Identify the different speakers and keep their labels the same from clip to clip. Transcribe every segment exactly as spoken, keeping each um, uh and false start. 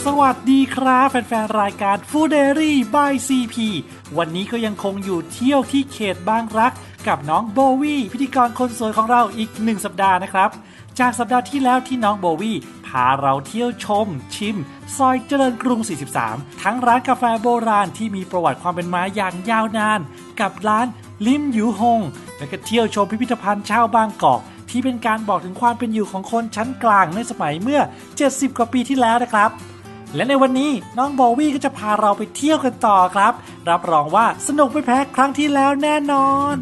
Speaker 1: สวัสดีครับแฟนๆรายการ Food Diary by ซี พี วันนี้ก็ยังคงอยู่เที่ยวที่เขตบางรักกับน้องโบวี่พิธีกรคนสวยของเราอีกหนึ่งสัปดาห์นะครับจากสัปดาห์ที่แล้วที่น้องโบวี่พาเราเที่ยวชมชิมซอยเจริญกรุงสี่สิบสามทั้งร้านกาแฟโบราณที่มีประวัติความเป็นมาอย่างยาวนานกับร้านลิมหยูฮงและก็เที่ยวชมพิพิธภัณฑ์ชาวบางกอกที่เป็นการบอกถึงความเป็นอยู่ของคนชั้นกลางในสมัยเมื่อเจ็ดสิบกว่าปีที่แล้วนะครับและในวันนี้น้องโบวี่ก็จะพาเราไปเที่ยวกันต่อครับรับรองว่าสนุกไม่แพ้ครั้งที่แล้วแน่นอน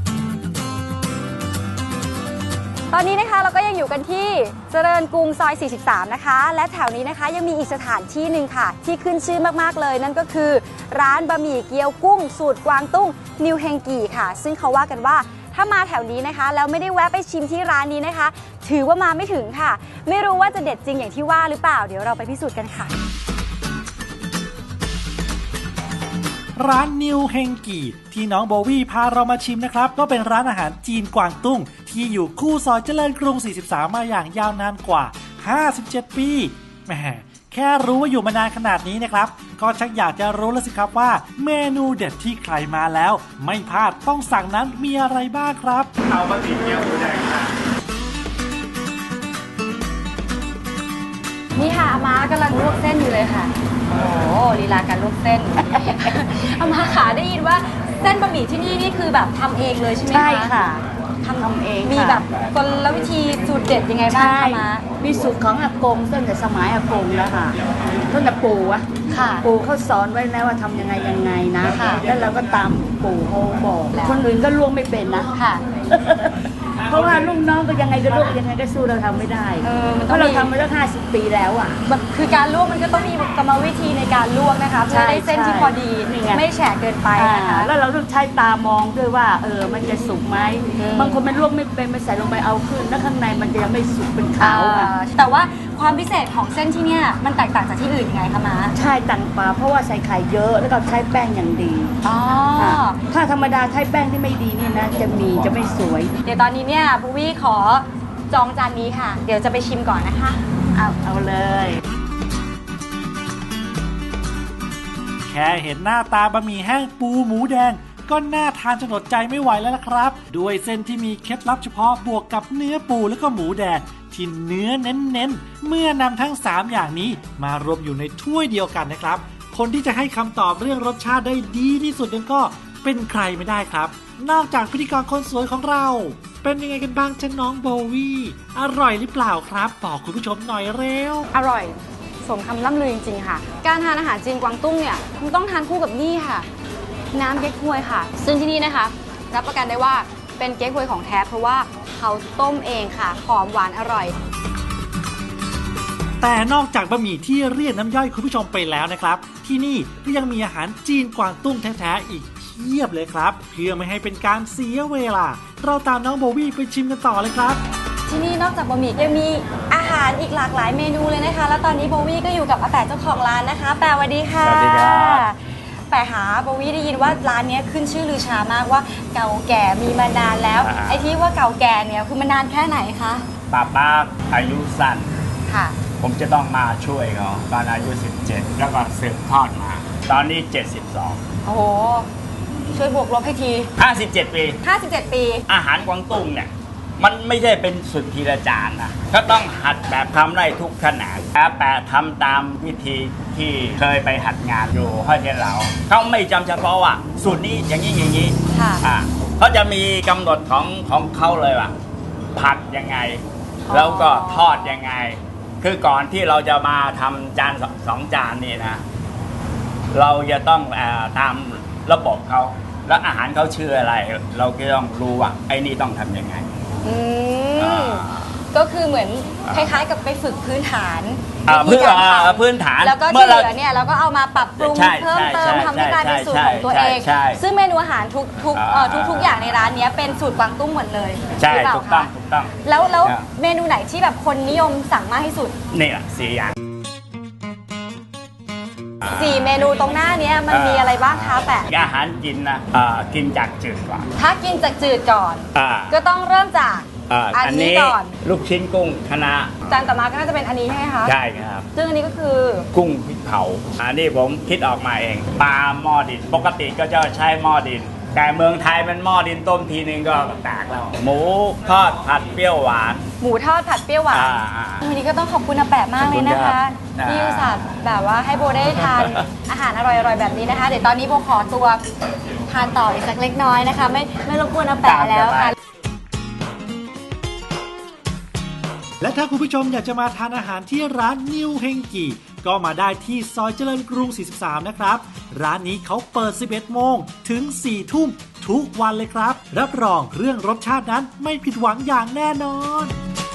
Speaker 2: ตอนนี้นะคะเราก็ยังอยู่กันที่เจริญกรุงซอยสี่สิบสามนะคะและแถวนี้นะคะยังมีอีกสถานที่หนึ่งค่ะที่ขึ้นชื่อมากๆเลยนั่นก็คือร้านบะหมี่เกี๊ยวกุ้งสูตรกวางตุ้งนิวเฮงกีค่ะซึ่งเขาว่ากันว่าถ้ามาแถวนี้นะคะแล้วไม่ได้แวะไปชิมที่ร้านนี้นะคะถือว่ามาไม่ถึงค่ะไม่รู้ว่าจะเด็ดจริงอย่างที่ว่าหรือเปล่าเดี๋ยวเราไปพิสูจน์กันค่ะ
Speaker 1: ร้านนิวเฮงกีที่น้องโบวี่พาเรามาชิมนะครับก็เป็นร้านอาหารจีนกวางตุ้งที่อยู่คู่ซอยเจริญกรุงสี่สิบสามมาอย่างยาวนานกว่าห้าสิบเจ็ดปีแหมแค่รู้ว่าอยู่มานานขนาดนี้นะครับก็ชักอยากจะรู้แล้วสิครับว่าเมนูเด็ดที่ใครมาแล้วไม่พลาดต้องสั่งนั้นมีอะไรบ้างครับเอาบะหมี่เกี๊ยวหมูแดงค่ะ
Speaker 2: นี่ค่ะอาม่ากำลังลวกเส้นอยู่เลยค่ะโอ้ลีลาการลวกเส้น อาม่าขาได้ยินว่าเส้นบะหมี่ที่นี่นี่คือแบบทำเองเลยใช่ไหมคะ
Speaker 3: ใช่ค่ะทำทำเอง
Speaker 2: มีแบบกลวิธีสูตรเด็ดยังไงบ้างคะมา
Speaker 3: มีสูตรของอากงตั้งแต่สมัยอากงแล้วค่ะตั้งแต่ปู่อะปู่เขาสอนไว้แล้วว่าทำยังไงยังไงนะแล้วเราก็ตามปู่เขาบอกคนอื่นก็ลวกไม่เป็นนะเพราะว่าลูกน้องก็ยังไงก็ลวกยังไงก็สู้เราทำไม่ได้เพราะเราทำมาตั้งห้าสิบปีแล้วอ่ะ
Speaker 2: แบบคือการลวกมันก็ต้องมีกรรมวิธีในการลวกนะคะเพื่อได้เส้นที่พอดีไม่แฉะเกินไปนะคะ
Speaker 3: แล้วเราต้องใช้ตามองด้วยว่าเออมันจะสุกไหมบางคนมันลวกไม่เป็นมันใส่ลงไปเอาขึ้นแล้วข้างในมันจะยังไม่สุกเป็นขาว
Speaker 2: แต่ว่าความพิเศษของเส้นที่เนี่ยมันแตกต่างจากที่อื่นยังไงคะม้า
Speaker 3: ใช่ต่างปลาเพราะว่าใส่ไข่เยอะแล้วก็ใช้แป้งอย่างดี
Speaker 2: อ๋อ
Speaker 3: ถ้าธรรมดาใช้แป้งที่ไม่ดีนี่นะจะมีจะไม่สวย
Speaker 2: เดี๋ยวตอนนี้เนี่ยบูวี่ขอจองจานนี้ค่ะเดี๋ยวจะไปชิมก่อนนะคะ
Speaker 3: เอาเอาเลย
Speaker 1: แค่เห็นหน้าตาบะหมี่แห้งปูหมูแดงก็น่าทานจนอดใจไม่ไหวแล้วล่ะครับด้วยเส้นที่มีเคล็ดลับเฉพาะบวกกับเนื้อปูแล้วก็หมูแดงที่เนื้อเน้นๆเมื่อนำทั้งสามอย่างนี้มารวมอยู่ในถ้วยเดียวกันนะครับคนที่จะให้คำตอบเรื่องรสชาติได้ดีที่สุดนั้นก็เป็นใครไม่ได้ครับนอกจากพิธีกรคนสวยของเราเป็นยังไงกันบ้างจ๊ะน้องโบวี่อร่อยหรือเปล่าครับบอกคุณผู้ชมหน่อยเร็ว
Speaker 2: อร่อยสมคำล่ำลือจริงๆค่ะการทานอาหารจีนกวางตุ้งเนี่ยมันต้องทานคู่กับนี่ค่ะน้ำเก๊กฮวยค่ะซึ่งที่นี่นะคะรับประกันได้ว่าเป็นเก๊กฮวยของแท้เพราะว่าเขาต้มเองค่ะหอมหวานอร่อย
Speaker 1: แต่นอกจากบะหมี่ที่เรียกน้ำย่อยคุณผู้ชมไปแล้วนะครับที่นี่ก็ยังมีอาหารจีนกวางตุ้งแท้ๆอีกเพียบเลยครับเพื่อไม่ให้เป็นการเสียเวลาเราตามน้องโบวี่ไปชิมกันต่อเลยครับ
Speaker 2: ที่นี่นอกจากบะหมี่ยังมีอาหารอีกหลากหลายเมนูเลยนะคะแล้วตอนนี้โบวี่ก็อยู่กับอาแปะเจ้าของร้านนะคะแปะสวัสดีค่ะ
Speaker 4: สวัสดีครับ
Speaker 2: แปะหาโบวี่ได้ยินว่าร้านนี้ขึ้นชื่อลือชามากว่าเก่าแก่มีมานานแล้วไอ้ที่ว่าเก่าแก่เนี่ยคือมันนานแค่ไหนคะ
Speaker 4: ป้าป้าอายุสั้น
Speaker 2: ค่ะ
Speaker 4: ผมจะต้องมาช่วยเขาตอนอายุสิบเจ็ดแล้วก็สืบทอดมาตอนนี้เจ็ดสิบสอง
Speaker 2: โอ้โหช่วยบวกลบให้ที
Speaker 4: ห้าสิบเจ็ดปี
Speaker 2: ห้าสิบเจ็ดปี
Speaker 4: อาหารกวางตุ้งเนี่ยมันไม่ใช่เป็นสุดทีละจานนะก็ต้องหัดแบบทำได้ทุกขนาดแต่ทำตามวิธีที่เคยไปหัดงานอยู่ห้อยเทียนเหลาเขาไม่จำเฉพาะว่าสูตรนี้อย่างนี้อย่างนี้อ่าเขาจะมีกำหนดของของเขาเลยว่าผัดยังไงแล้วก็ทอดยังไงคือก่อนที่เราจะมาทำจานสองจานนี่นะเราจะต้องตามระบบเขาแล้วอาหารเขาชื่ออะไรเราก็ต้องรู้ว่าไอ้นี่ต้องทำยังไง
Speaker 2: ก็คือเหมือนคล้ายๆกับไปฝึกพื้นฐาน
Speaker 4: พื้นพื้นฐาน
Speaker 2: แล้วก็ที่เหลือเนี่ยเราก็เอามาปรับปรุงเพิ่มเติมทำให้กลายเป็นสูตรของตัวเองซึ่งเมนูอาหารทุกทุกทุกทุกอย่างในร้านนี้เป็นสูตรกวางตุ้งหมดเลย
Speaker 4: ใช่ถูกต้องถูกต้อง
Speaker 2: แล้วแล้วเมนูไหนที่แบบคนนิยมสั่งมากที่สุด
Speaker 4: นี่แหละสี่อย่าง
Speaker 2: สี่เมนูตรงหน้านี้มันมีอะไรบ้างคะแปะ
Speaker 4: อาหารกินนะกินจากจืดก่อน
Speaker 2: ถ้ากินจากจืดก่อนก็ต้องเริ่มจาก
Speaker 4: อ่า
Speaker 2: อั
Speaker 4: อั
Speaker 2: น
Speaker 4: น
Speaker 2: นี้
Speaker 4: นี้
Speaker 2: ก่อน
Speaker 4: ลูกชิ้นกุ้งคณะ
Speaker 2: จานต่อมาก็น่าจะเป็นอันนี้ใช่ไหมคะ
Speaker 4: ใช่ครับ
Speaker 2: ซึ่งอันนี้ก็คือ
Speaker 4: กุ้งพริกเผาอันนี้ผมคิดออกมาเองปลาหม้อดินปกติก็จะใช้หม้อดิน แต่เมืองไทยมันหม้อดินต้มทีนึงก็แตกแล้วหมูทอดผัดเปรี้ยวหวาน
Speaker 2: หมูทอดผัดเปรี้ยวหวาน
Speaker 4: อ่าอ่า
Speaker 2: วันนี้ก็ต้องขอบคุณอาแปะมากเลยนะคะ
Speaker 4: ขอบคุณครับ
Speaker 2: ที่อุตส่าห์แบบว่าให้โบได้ทาน อาหารอร่อยๆแบบนี้นะคะ เดี๋ยวตอนนี้โบขอตัวทานต่ออีกสักเล็กน้อยนะคะ ไม่ไม่รบกวนอาแปะแล้วค่ะ
Speaker 1: และถ้าคุณผู้ชมอยากจะมาทานอาหารที่ร้านนิวเฮงกีก็มาได้ที่ซอยเจริญกรุง สี่สิบสาม นะครับ ร้านนี้เขาเปิด สิบเอ็ดโมงถึง สี่ทุ่มทุกวันเลยครับ รับรองเรื่องรสชาตินั้นไม่ผิดหวังอย่างแน่นอน